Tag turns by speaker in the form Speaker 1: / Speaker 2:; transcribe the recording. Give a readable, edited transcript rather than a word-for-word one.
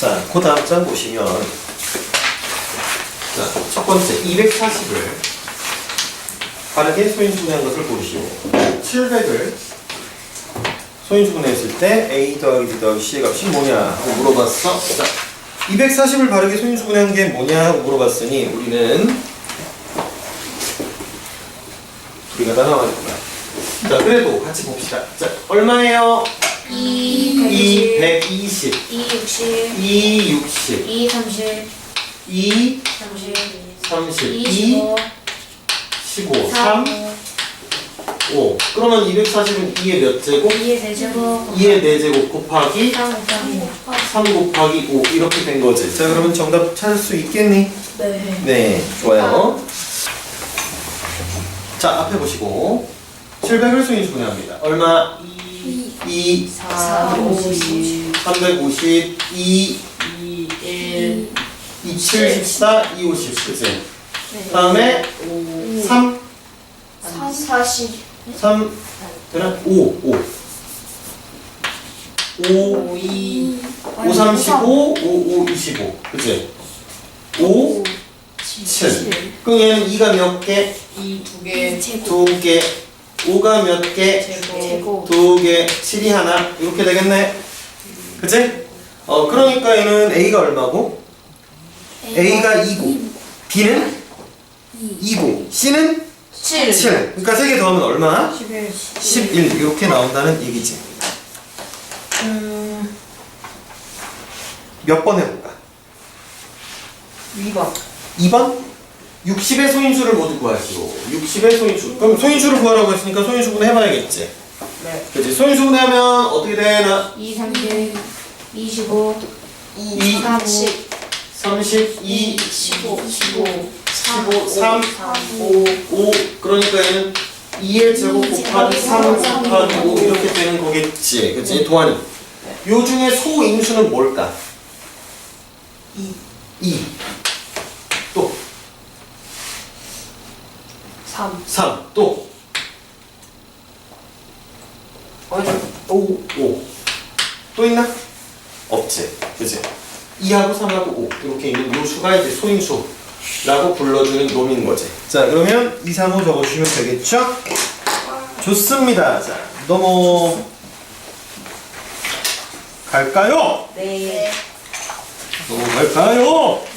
Speaker 1: 자, 그 다음 장 보시면, 자, 첫 번째 240을 바르게 소인수분해한 것을 고르시오. 700을 소인수분해했을 때 A 더하기 B 더하기 C의 값이 뭐냐 하고 물어봤어. 자, 240을 바르게 소인수분해한 게 뭐냐 하고 물어봤으니 우리는 우리가 다 나와야겠구나. 자, 그래도 같이 봅시다. 자, 얼마예요? 220
Speaker 2: 260
Speaker 1: 260
Speaker 2: 230
Speaker 1: 2
Speaker 2: 30
Speaker 1: 30 2
Speaker 2: 25
Speaker 1: 15 3 5 그러면 240은 2의 몇 제곱?
Speaker 2: 2의 대제곱
Speaker 1: 2의 4제곱 곱하기
Speaker 2: 3 곱하기
Speaker 1: 3 곱하기 5 이렇게 된 거지. 자, 그러면 정답 찾을 수 있겠니?
Speaker 2: 네.
Speaker 1: 네, 좋아요. 자, 앞에 보시고 700을 소인수분해합니다. 얼마? 2
Speaker 2: 450
Speaker 1: 350 2
Speaker 2: 1
Speaker 1: 274 250 그치?
Speaker 2: 네.
Speaker 1: 다음에 3
Speaker 2: 40
Speaker 1: 3 되나? 5 35 5 25 그치? 5 7 그럼 얘는 2가 몇 개?
Speaker 2: 2개
Speaker 1: 2개 5가 몇 개?
Speaker 2: 제곱
Speaker 1: 2개 7이 하나 이렇게 되겠네 그치? 그러니까 얘는 A가 얼마고? A가 2고 B는 2고 C는 7 그러니까 3개 더하면 얼마?
Speaker 2: 11
Speaker 1: 11 이렇게 나온다는 얘기지. 몇 번 해볼까?
Speaker 2: 2번
Speaker 1: 2번? 60의 소인수를 모두 구하시오. 60의 소인수. 그럼 소인수를 구하라고 했으니까 소인수분해 해봐야겠지.
Speaker 2: 네.
Speaker 1: 그치? 소인수분해 하면 어떻게 되나?
Speaker 2: 2 30 25
Speaker 1: 2
Speaker 2: 30
Speaker 1: 32
Speaker 2: 15 15
Speaker 1: 15 3 5 그러니까 얘는 2의 제곱 곱하기 3 곱하기 5 이렇게 되는 거겠지. 그치? 도안이. 요 중에 소인수는 뭘까? 2 또 3 또 5 또 있나? 없지 그치? 2하고 3하고 5 이렇게 있는 요 수가 이제 소인수라고 불러주는 놈인 거지. 자, 그러면 2, 3, 5 적어주시면 되겠죠? 좋습니다. 자, 넘어갈까요?
Speaker 2: 네
Speaker 1: 넘어갈까요?